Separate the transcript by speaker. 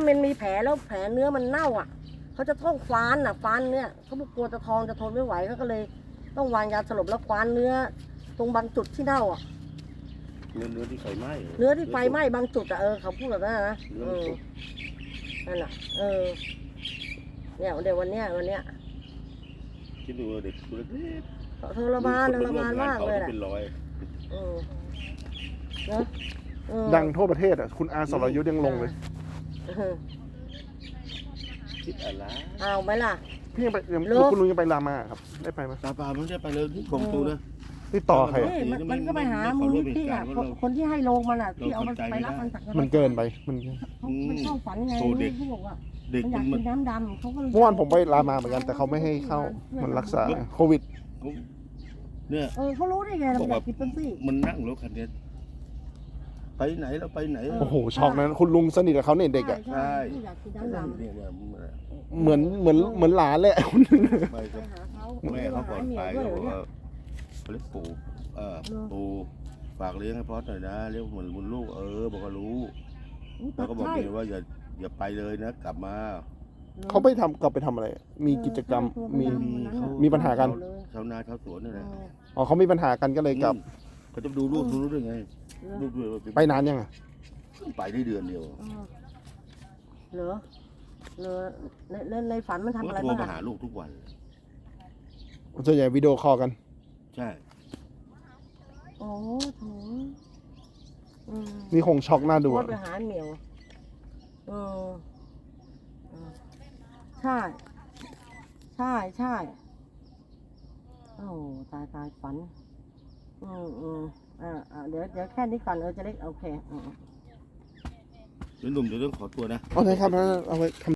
Speaker 1: มันมีแผลแล้วแผลเนื้อมันเน่าอ่ะเขาจะต้องฟ้านอ่ะฟ้านเนี่ยเขาบอกกลัวจะทองจะทนไม่ไหวเขาก็เลยต้องวางยาสลบแล้วฟ้านเนื้อตรงบางจุดที่เน่าอ่ะ
Speaker 2: เนื้อที่ไฟไหม้
Speaker 1: เนื้อที่ไฟไหม้บางจุดอ่ะเขาพูดแบบนั้นนะนั่นอ่ะเนี่ยเดี๋ยววันเนี้ย
Speaker 2: คิดดูเด็กตัวเล็ก
Speaker 1: ทรมานมากเลยแหละเนาะ
Speaker 3: ดังทั่วประเทศอ่ะคุณอาสรยุทธยังลงเลย
Speaker 2: คิดอะไร
Speaker 1: เอาไหมล่ะ
Speaker 3: พี่ยังไปคุณลุงยังไปรามาครับได้ไปไหม
Speaker 2: ตาปลาไม่ได้ไปเลยที่กองตูนะ
Speaker 3: ที่ต่อใคร
Speaker 1: มันก็ไปหามูลนิธิอ่ะคนที่ให้ลงมันอ่ะที่เอามันไปรับมันจาก
Speaker 3: มันเกินไปมัน
Speaker 1: เข้าฝันไงเขาบอกว่า
Speaker 2: เด็ก
Speaker 1: มันอยากกินน้ำดำเขาก็
Speaker 3: เมื่อวานผมไปรามาเหมือนกันแต่เขาไม่ให้เข้ามันรักษาโควิด
Speaker 2: เนี่ย
Speaker 1: เขารู้ได้ไงเราอยากกินเป็นซี่
Speaker 2: มันนั่งรถคันนี้ไปไหนเราไปไหน
Speaker 3: โอ้โหช็อกนั้นคุณลุงสนิทกับเขาเนี่ยเด็กอ่ะ
Speaker 2: ใช่
Speaker 1: อยากกินน้ำดำ
Speaker 3: เหมือนหลานเลย
Speaker 2: ไปกับแม่เขาก่อนไปเขาบอกว่าเขาเรียกปู่ฝากเลี้ยงให้พอดหน่อยนะเรียกเหมือนบุญลูกบอกว่ารู้แล้วก็บอกเลยว่าอย่าไปเลยนะกลับมา
Speaker 3: เขาไปกลับไปทำอะไรมีกิจกรรมมีปัญหากัน
Speaker 2: ชาวนาชาวสวนนี่แหละ
Speaker 3: อ๋อเขามีปัญหากันก็เลยกลับ
Speaker 2: เขาจะดูลูกด้วยไงลูกด้วย
Speaker 3: ไปนานยังอ่ะ
Speaker 2: ไปได้เดือนเดียว
Speaker 1: เหรอในฝันมันทำอะไร
Speaker 2: บ้างโทรมาหาลูกทุกวัน
Speaker 3: ส่วนใหญ่วิดีโอคอลกัน
Speaker 2: ใช่
Speaker 1: โอ้โห
Speaker 3: นี่คงช็อกหน้าดู
Speaker 1: ไปหาเหมียวใช่โอ้ตายฝันเดี๋ยวแค่นี้ก่อนจะเล็กโอเค
Speaker 2: เดี๋ยวหนุ่มจะต้องขอตัวนะ
Speaker 3: โอเคครับเอาไว้